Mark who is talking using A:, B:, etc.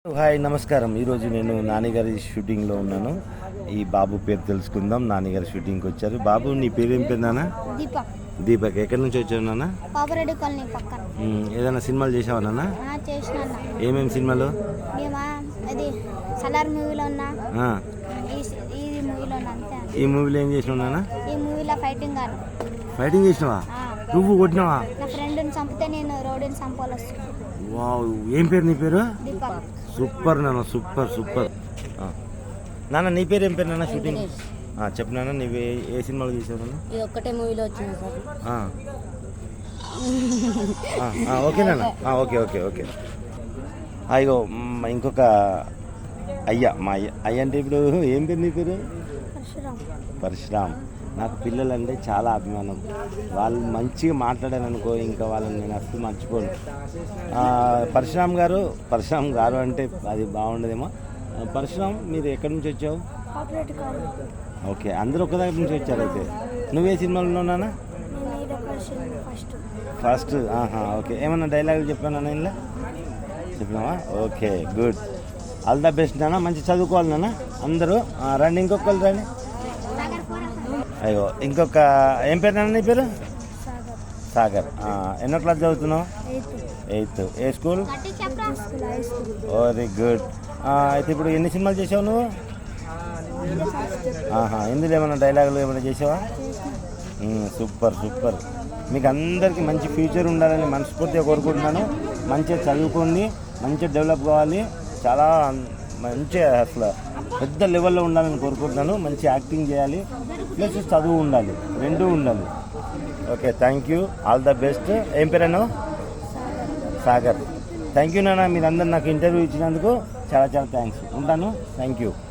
A: Hi నమస్కారం. ఈరోజు నేను నాన్నగారి షూటింగ్లో ఉన్నాను. ఈ బాబు పేరు తెలుసుకుందాం. నాన్నగారి షూటింగ్కి వచ్చారు. బాబు, నీ పేరు ఏం పేరు నాన్న?
B: దీపక్.
A: దీపక్. ఎక్కడి నుంచి వచ్చావు నాన్న?
B: పాపరెడ్డి కాలనీ పక్కన.
A: ఏదైనా సినిమాలు చేసావా నాన్న?
B: చేసిన
A: ఏమేమి సినిమాలు?
B: మేమా అది సలార్ మూవీలో ఉన్నా, ఈ మూవీలో ఉన్నా అంతే.
A: ఈ మూవీలో ఏం చేసినావు నాన్న?
B: ఈ మూవీలో ఫైటింగ్ గారు.
A: ఫైటింగ్ చేసినావా? నువ్వు కొట్టినావా?
B: నా ఫ్రెండ్ని చంపితే నేను రోడ్డుని చంపాలి.
A: వావ్, ఏం పేరు నీ పేరు?
B: దీపక్.
A: సూపర్ నాన్న, సూపర్ సూపర్. నాన్న, నీ పేరు ఏం పేరు నాన్న? షూటింగ్ చెప్పు నాన్న. నీవు ఏ సినిమాలు చేసావు నాన్న?
B: ఇది ఒక్కటే మూవీలో వచ్చింది సార్.
A: ఓకే నాన్న. Okay okay okay. అయ్యో, ఇంకొక అయ్యా, మా అయ్య అంటే ఇప్పుడు ఏం పేరు నీ పేరు? పరశురామ్. నాకు పిల్లలు అంటే చాలా అభిమానం. వాళ్ళు మంచిగా మాట్లాడారనుకో, ఇంకా వాళ్ళని నేను అసలు మర్చిపోను. పరశురామ్ గారు అంటే అది బాగుండదేమో. పరశురామ్, మీరు ఎక్కడి నుంచి వచ్చావు? ఓకే, అందరూ ఒక దగ్గర నుంచి వచ్చారు. అయితే నువ్వే సినిమాలో ఉన్నానా? ఫస్ట్. ఓకే, ఏమన్నా డైలాగులు చెప్పానా ఇలా? చెప్పినావా? Okay, good. All the best నాన్న. మంచి చదువుకోవాలి నాన్న అందరూ. రండి, ఇంకొకరు రండి. అయ్యో, ఇంకొక ఏం పేరు నాన్న నీ పేరు? సాగర్. ఎన్నో క్లాస్ చదువుతున్నావు? 8th. ఏ స్కూల్? Very good. అయితే ఇప్పుడు ఎన్ని సినిమాలు చేసావు నువ్వు? ఇందులో ఏమైనా డైలాగులు ఏమైనా చేసావా? Super super. మీకు అందరికీ మంచి ఫ్యూచర్ ఉండాలని మనస్ఫూర్తిగా కోరుకుంటున్నాను. మంచిగా చదువుకోండి, మంచిగా డెవలప్ కావాలి. చాలా మంచిగా అసలు పెద్ద లెవెల్లో ఉండాలని కోరుకుంటున్నాను. మంచి యాక్టింగ్ చేయాలి, ప్లస్ చదువు ఉండాలి, రెండూ ఉండాలి. Okay, thank you. All the best. ఏం పేరన్నా? సాగర్. థ్యాంక్ యూ నాన్న. మీరందరూ నాకు ఇంటర్వ్యూ ఇచ్చినందుకు చాలా చాలా థ్యాంక్స్. ఉంటాను. Thank you.